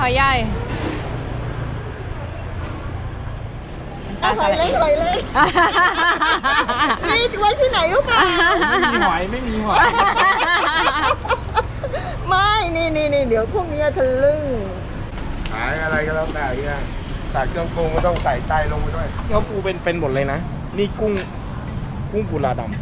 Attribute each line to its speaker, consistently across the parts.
Speaker 1: หอยใหญ่
Speaker 2: หอยเล็กนี่ไว้ที่ไหนรู้ป่ะ
Speaker 3: ไม่มีหอย
Speaker 2: ไม่นี่เดี๋ยวพวกนี้ทะลึ่ง
Speaker 4: ขายอะไรก็แล้วแต่เนี่ยใส่เครื่องปรุงก็ต้องใส่ใจลงไปด้วย
Speaker 3: เขาปูเป็นหมดเลยนะนี่กุ้งกุลาดำ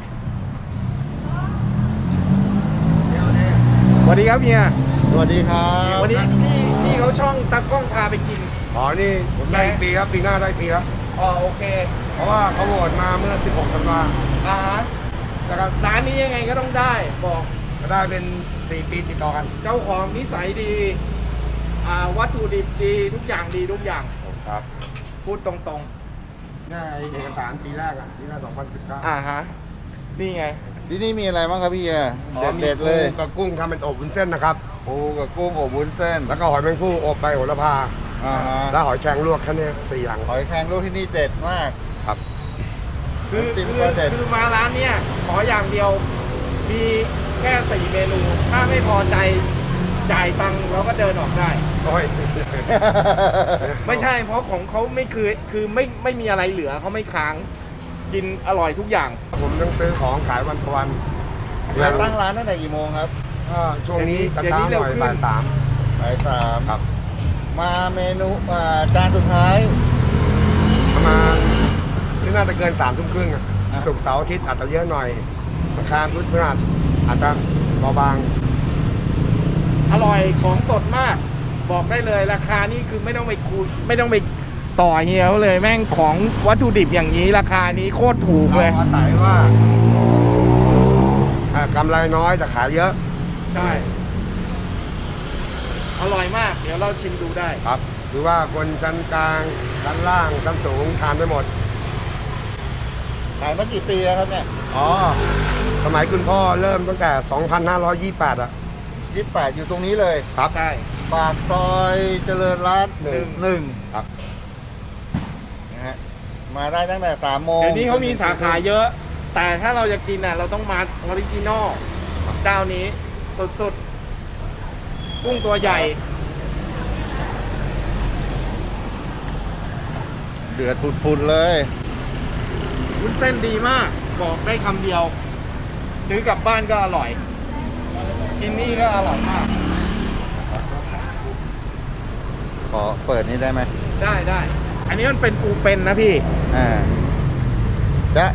Speaker 3: สวัสดีครับเฮีย
Speaker 4: สวัสดีครับ
Speaker 3: วันนี้พี่เขาช่องตากล้องพาไปกิน
Speaker 4: นี่ผมได้ปีครับปีหน้าได้ปีครับ
Speaker 3: โอเค
Speaker 4: เพราะว่าเขาโหวตมาเมื่อ 16 ธันวาคม
Speaker 3: นะครับร้านนี้ยังไงก็ต้องได้บอก
Speaker 4: ก็ได้เป็น 4 ปีติดต่อกัน
Speaker 3: เจ้าของนิสัยดีวัตถุดิบดีทุกอย่างดีทุกอย่าง
Speaker 4: ครับ
Speaker 3: พูดตรง
Speaker 4: ๆได้เอกสารปีแรกปีหน้า2019
Speaker 3: ฮะนี่ไง
Speaker 5: ที่นี่มีอะไรบ้างครับพี่เด็ดเลย
Speaker 4: กับกุ้งทำเป็นอบวุ้นเส้นนะครับ
Speaker 5: ปูกับกุ้งอบวุ้นเส้น
Speaker 4: แล้วก็หอยแมงผู้อบใบโหระพาแล้วหอยแครงลวกแค่นี้4 อย่าง
Speaker 5: หอยแครงลวกที่นี่เด็ดมาก
Speaker 4: ครับ
Speaker 3: คือมาร้านเนี้ยขออย่างเดียวมีแค่4 เมนูถ้าไม่พอใจจ่ายตังค์เราก็เดินออกได้ไม่ใช่เพราะของเขาไม่คือไม่มีอะไรเหลือเขาไม่ค้างกินอร่อยทุกอย่าง
Speaker 4: ผมต้องซื้อของขายวันต่อวัน
Speaker 5: ตั้งร้านตั้งแต่กี่โมงครับ
Speaker 4: ช่วงนี้จะเช้าหน่อยบ่าย
Speaker 5: 3ครับมาเมนูจานสุดท้าย
Speaker 4: ประมาณที่น่าจะเกิน3 ทุ่มครึ่งศุกร์เสาร์อาทิตย์อาจจะเยอะหน่อยราคาพุธพฤหัสอาจจะเบาบาง
Speaker 3: อร่อยของสดมากบอกได้เลยราคานี่คือไม่ต้องไปคุยไม่ต้องไปต่อเฮียเขาเลยแม่งของวัตถุดิบอย่างนี้ราคานี้โคตรถูกเลย
Speaker 4: อาศัยว่ากำไรน้อยแต่ขายเยอะ
Speaker 3: ใช่อร่อยมากเดี๋ยวเราชิมดูได้
Speaker 4: ครับหรือว่าคนชั้นกลางชั้นล่างชั้นสูงทานได้หมด
Speaker 5: ขายมากี่ปีแล้วครับเนี่ย
Speaker 4: สมัยคุณพ่อเริ่มตั้งแต่ 2528
Speaker 5: 28อยู่ตรงนี้เลย
Speaker 4: ครับ
Speaker 3: ใช่
Speaker 5: ปากซอยเจริญรัตน์1
Speaker 4: ครับ
Speaker 5: นะฮะมาได้ตั้งแต่3 โมง
Speaker 3: เดี๋ยวนี้เขามีสาขาเยอะแต่ถ้าเราจะกินเราต้องมาออริจินอลเจ้านี้สุดๆกุ้งตัวใหญ่
Speaker 5: เดือดปุดๆเลย
Speaker 3: วุ้นเส้นดีมากบอกได้คำเดียวซื้อกลับบ้านก็อร่อยกินนี่ก็อร่อยมาก
Speaker 5: ขอเปิดนี่ได้ไหม
Speaker 3: ได้อันนี้มันเป็นปูเป็นนะพี่
Speaker 5: จ๊ะ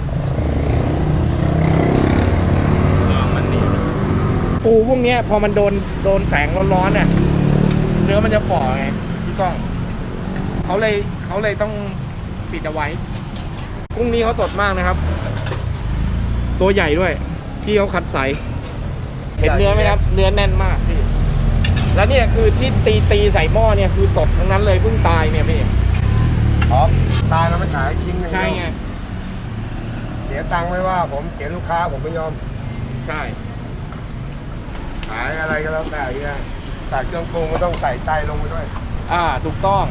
Speaker 3: มันนี่ปูพวกนี้พอมันโดนแสงร้อนๆเนี่ยเนื้อมันจะฝ่อไงพี่ก้องเขาเลยต้องปิดเอาไว้กุ้งนี้เขาสดมากนะครับตัวใหญ่ด้วยพี่เขาคัดใสเห็นเนื้อไหมครับเนื้อแน่นมากพี่แล้วเนี่ยคือที่ตีใส่หม้อเนี่ยคือสดทั้งนั้นเลยเพิ่งตายเนี่ยพี่
Speaker 4: ตายแล้วไม่ขายทิ้ง
Speaker 3: ใช่ไง
Speaker 4: เสียตังค์ไม่ว่าผมเสียลูกค้าผมไม่ยอม
Speaker 3: ใช่
Speaker 4: ขายอะไรก็แล้วแต่เนี่ยใส่เครื่องปรุงก็ต้องใส่ใจลงไปด้วย
Speaker 3: ถูกต้อง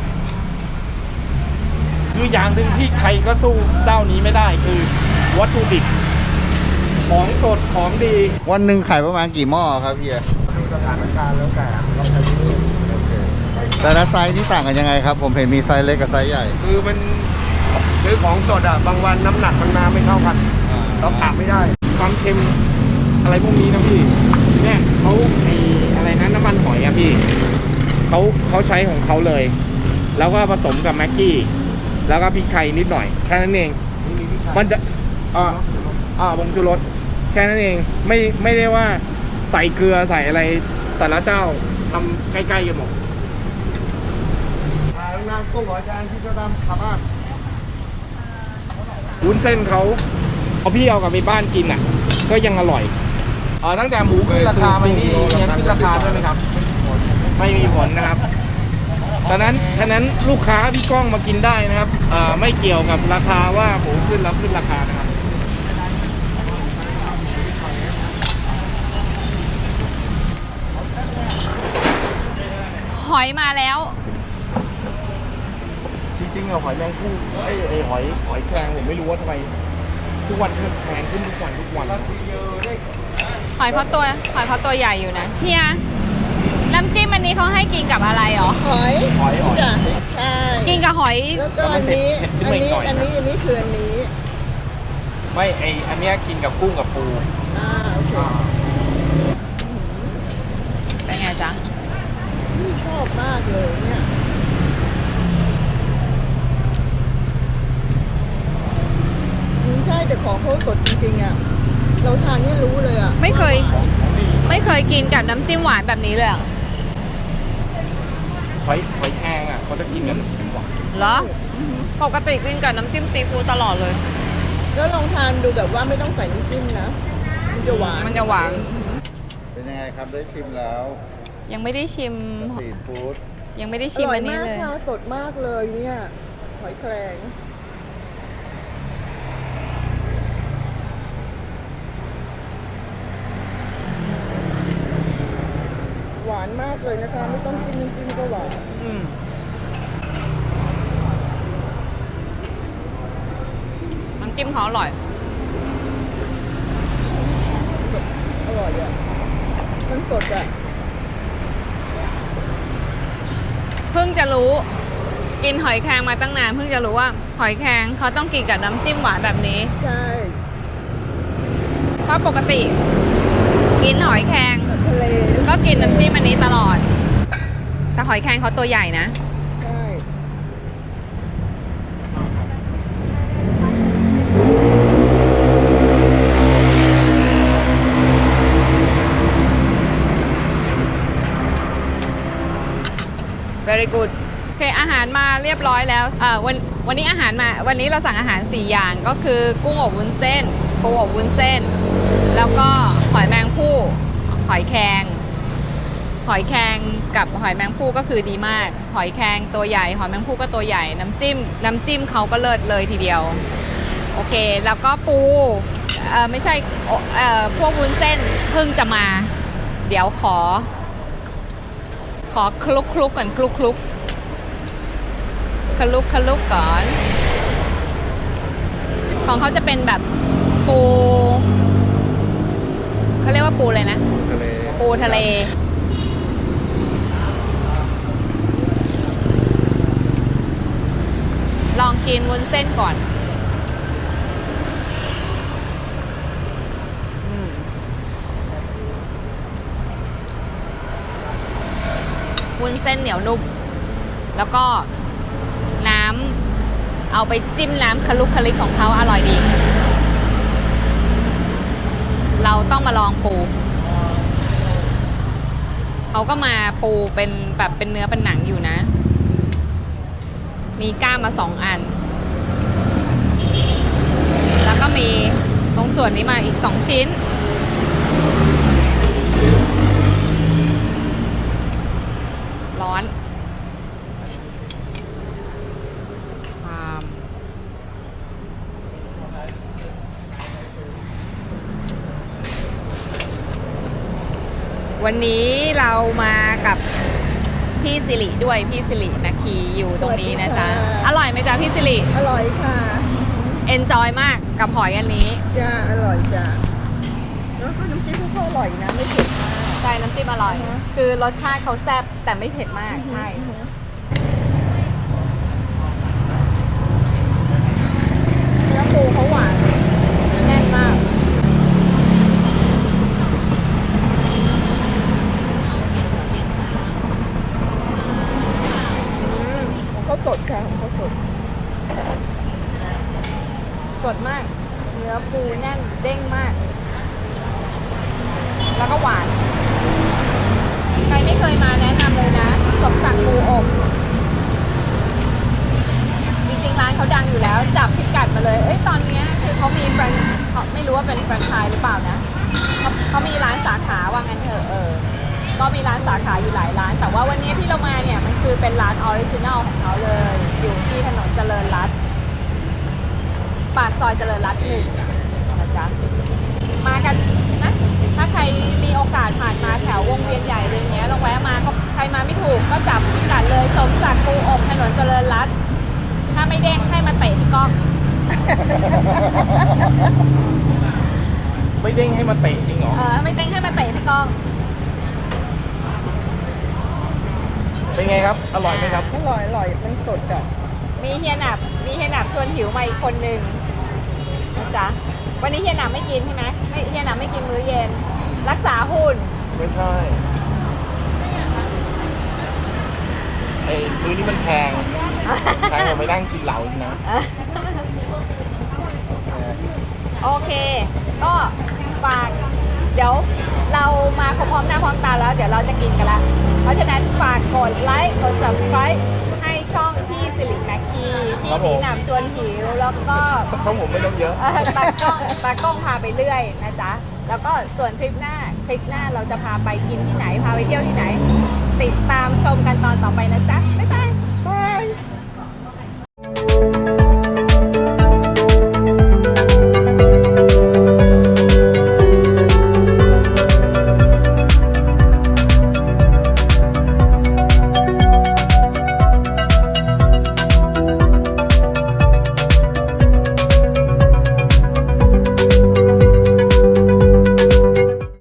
Speaker 3: คืออย่างหนึ่งที่ใครก็สู้เจ้านี้ไม่ได้คือวัตถุดิบของสดของดี
Speaker 5: วันหนึ่งขายประมาณกี่หม้อครับพี่
Speaker 4: ดูสถานการณ์แล้วแต่เราใช้ที่นี่
Speaker 5: แต่ละไซส์นี่ต่างกันยังไงครับผมเห็นมีไซส์เล็กกับไซส์ใหญ่
Speaker 4: คือมันซื้อของสดบางวันน้ำหนักมันมาไม่เท่ากันเรากะไม่ได้
Speaker 3: ความเค็มอะไรพวกนี้นะพี่เนี่ยเขาอะไรนะน้ำมันหอยพี่เขาใช้ของเขาเลยแล้วก็ผสมกับแม็กกี้แล้วก็พริกไทยนิดหน่อยแค่นั้นเองมันจะผงชูรสแค่นั้นเองไม่ได้ว่าใส่เกลือใส่อะไรแต่ละเจ้าทำใกล้ๆกันหมด
Speaker 4: งานกุ้งหอยแดงที่จะทำขับบ้าน
Speaker 3: วุ้นเส้นเขาพี่เอากลับไปบ้านกินก็ยังอร่อยตั้งแต่หมูขึ้นราคาไปนี่ยังขึ้นราคาด้วยไหมครับไม่มีผลนะครับฉะนั้นลูกค้าพี่ก้องมากินได้นะครับไม่เกี่ยวกับราคาว่าหมูขึ้นรับขึ้นราคานะครับ
Speaker 1: หอยมาแล้ว
Speaker 3: จริงๆหอยแมงคู่หอยแครงผมไม่รู้ว่าทำไมทุกวันแพงขึ้นทุกวันห
Speaker 1: อยเขาตัวใหญ่อยู่นะเฮียน้ำจิ้มอันนี้เขาให้กินกับอะไรหรอ
Speaker 2: หอย
Speaker 3: หอย
Speaker 2: จ้ะใช่
Speaker 1: กินกับหอย
Speaker 2: แล้วก็อันนี้
Speaker 3: เผ็ดขึ้นมาอีกหน่อยนะ
Speaker 2: อันนี้คืออันนี้
Speaker 3: ไม่อันเนี้ยกินกับกุ้งกับปู
Speaker 2: โอเค
Speaker 1: เป็นไงจ๊ะ
Speaker 2: นี่ชอบมากเลยเนี่ยใช่แต่ของเขาสดจริงๆอ่ะเราทานนี่รู้เลยอ่ะ
Speaker 1: ไม่เคยกินกับน้ำจิ้มหวานแบบนี้เลยอะ
Speaker 3: หอยแครงอ่ะเขาจะกินกับน้ำจิ้มหวาน
Speaker 1: เหรอ ปกติกินกับน้ำจิ้มซีฟู้ดตลอดเลย
Speaker 2: แล้วลองทานดูแบบว่าไม่ต้องใส่น้ำจิ้มนะมันจะหวาน
Speaker 1: มันจะหวาน
Speaker 5: เป็นยังไงครับได้ชิมแล้ว
Speaker 1: ยังไม่ได้ชิม
Speaker 5: สตรีทฟู้ด
Speaker 1: ยังไม่ได้
Speaker 2: อ
Speaker 1: ชิม
Speaker 2: ร่อ
Speaker 1: อั
Speaker 2: ย
Speaker 1: นนี้
Speaker 2: มาก
Speaker 1: เลย
Speaker 2: ค่ะสดมากเลยเนี่ยหอยแครงหวานมากเลยนะคะ ไม่ต้องจิ้มน้ำจิ้มก็หวาน
Speaker 1: อืมน้ำจิ้มเขาอร่อย
Speaker 2: อร่อยอ่ะมันสดอ่ะ
Speaker 1: เพิ่งจะรู้ กินหอยแครงมาตั้งนาน เพิ่งจะรู้ว่าหอยแครงเขาต้องกินกับน้ำจิ้มหวานแบบนี้
Speaker 2: ใช่
Speaker 1: เพราะปกติ กินหอยแครง
Speaker 2: ทะเล
Speaker 1: ก็กินน้ำจิ้มอันนี้ตลอด แต่หอยแครงเขาตัวใหญ่นะ
Speaker 2: ใช่
Speaker 1: very good โอเคอาหารมาเรียบร้อยแล้ววันนี้อาหารมาวันนี้เราสั่งอาหาร 4 อย่างก็คือกุ้งอบวุ้นเส้นปูอบวุ้นเส้น แล้วก็หอยแมงภู่หอยแครงกับหอยแมงภู่ก็คือดีมาก หอยแครงตัวใหญ่หอยแมงภู่ก็ตัวใหญ่น้ำจิ้มเขาก็เลิศเลยทีเดียวโอเคแล้วก็ปูไม่ใช่พวกวุ้นเส้นเพิ่งจะมา เดี๋ยวขอคลุกก่อนคลุกก่อน ของเขาจะเป็นแบบปูเขาเรียกว่าปูเลยนะ
Speaker 5: ทะเล
Speaker 1: ปูทะเล ลองกินวุ้นเส้นก่อนวุ้นเส้นเหนียวนุ่มแล้วก็น้ำเอาไปจิ้มน้ำคลุกคลิกของเขาอร่อยดี เราต้องมาลองปูเขาก็มาปูเป็นแบบเป็นเนื้อเป็นหนังอยู่นะ มีก้ามมา2 อัน แล้วก็มีตรงส่วนนี้มาอีก2 ชิ้นร้อนวันนี้เรามากับพี่สิริด้วยพี่สิรินาคีอยู่ตรงนี้นะจ๊ะอร่อยไหมจ๊ะพี่สิริ
Speaker 2: อร่อยค่ะ
Speaker 1: enjoy มากกับหอยอันนี้
Speaker 2: จ้าอร่อยจ้าแล้วก็น้ำจิ้มเขาอร่อยนะไม่เผ็ดมาก
Speaker 1: ใช่น้ำจิ้มอร่อย คือรสชาติเขาแซ่บแต่ไม่เผ็ดมากใช่
Speaker 2: เนื้อปูเขาหวานแน่นมากของเขาสดค่ะของเขาสด
Speaker 1: สดมาก เนื้อปูแน่นเด้งมาก แล้วก็หวาน ใครไม่เคยมาแนะนำเลยนะสมศักดิ์ปูอบจริงๆร้านเขาดังอยู่แล้วจับพิกัดมาเลยตอนนี้คือเขามีไม่รู้ว่าเป็นแฟรนไชส์หรือเปล่านะเขามีร้านสาขาว่างั้นเถอะก็มีร้านสาขาอยู่หลายร้าน แต่ว่าวันนี้ที่เรามาเนี่ยมันคือเป็นร้านออริจินัลของเขาเลยอยู่ที่ถนนเจริญรัตน์ปากซอยเจริญรัตน์1นะจ๊ะมากันนะถ้าใครมีโอกาสผ่านมาแถววงเวียนใหญ่อะไรเงี้ยลองแวะมาใครมาไม่ถูกก็จับพิกัดเลยสมศักดิ์ปูอบถนนเจริญรัตน์ถ้าไม่เด้งให้มาเตะที่กล้อง
Speaker 3: ไม่เด้งให้มาเตะจริงเหรอ
Speaker 1: ไม่เด้งให้มาเตะที่กล้อง
Speaker 3: เป็นไงครับ อร่อยไหมครับ
Speaker 2: อร่อยอร่อยมันสดอ่ะ
Speaker 1: มีเฮียหนับชวนหิวมาอีกคนนึงนะจ๊ะวันนี้เฮียหนับไม่กินใช่ไหมไม่เฮียหนับไม่กินมื้อเย็น รักษาหุ่น
Speaker 3: ไม่ใช่ไอ้มื้อนี้มันแพงแพงกว่าไปนั่งกินเหล้าอีกนะ
Speaker 1: โอเค ก็ฝากเดี๋ยวเรามาพร้อมหน้าพร้อมตาแล้ว เดี๋ยวเราจะกินกันละเพราะฉะนั้นฝากกดไลค์กด subscribe ให้ช่องพี่สิริแม็กคีพี่
Speaker 3: ครับผม
Speaker 1: ดีหนำชวนหิวแล้วก็
Speaker 3: ช่องผมไม่ต้องเยอะ
Speaker 1: ตากล้องพาไปเรื่อยนะจ๊ะ แล้วก็ส่วนทริปหน้าเราจะพาไปกินที่ไหน พาไปเที่ยวที่ไหน ติดตามชมกันตอนต่อไปนะจ๊ะ